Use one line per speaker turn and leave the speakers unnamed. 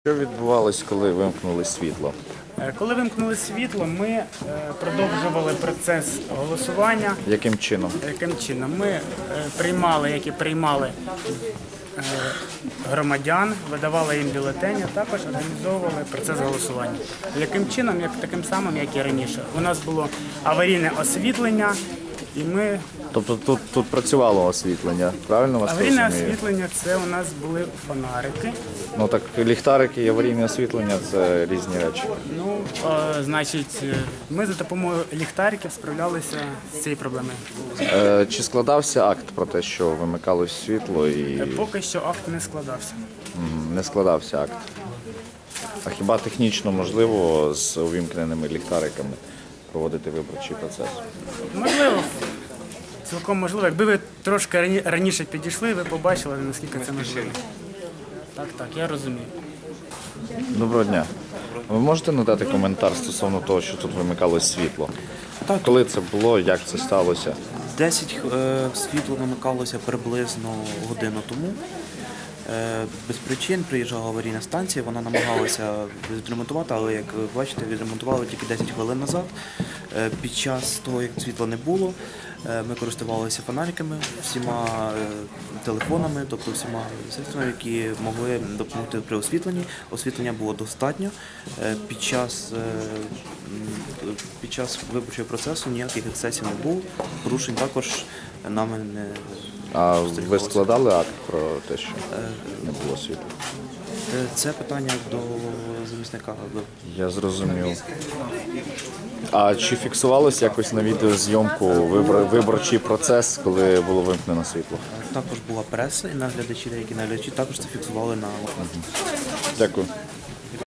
Що відбувалось, коли вимкнули світло?
Коли вимкнули світло, ми продовжували процес голосування.
Яким чином?
Яким чином? Ми приймали, як і приймали громадян, видавали їм бюлетені, також організовували процес голосування. Яким чином? Таким самим, як і раніше. У нас було аварійне освітлення, і ми...
Тобто тут працювало освітлення, правильно вас
Аварійне
розумію?
освітлення – це у нас були фонарики.
Ну так ліхтарики і аварійне освітлення – це різні речі.
Ну, значить, ми за допомогою ліхтариків справлялися з цією проблемою.
Чи складався акт про те, що вимикалось світло і
Поки що акт не складався.
не складався акт? А хіба технічно можливо з увімкненими ліхтариками проводити виборчий процес?
Можливо, цілком можливо. Якби ви трошки раніше підійшли, ви побачили, наскільки це можливо. Так, я розумію.
Доброго дня. Ви можете надати коментар стосовно того, що тут вимикалось світло?
Так.
Коли це було, як це сталося?
10 світло вимикалося приблизно годину тому. Без причин приїжджала аварійна станція, вона намагалася відремонтувати, але, як ви бачите, відремонтували тільки 10 хвилин назад. Під час того, як світла не було, ми користувалися фонариками, всіма телефонами, тобто всіма средствами, які могли допомогти при освітленні. Освітлення було достатньо. Під час виборчого процесу ніяких ексцесів не було, порушень також нами не
А ви
спостерігалося.
складали акт про те, що не було світла?
Це питання до замісника.
Я зрозумів. А чи фіксувалось якось на відеозйомку виборчий процес, коли було вимкнено світло?
Також була преса і наглядачі, деякі наглядачі також це фіксували на
Дякую.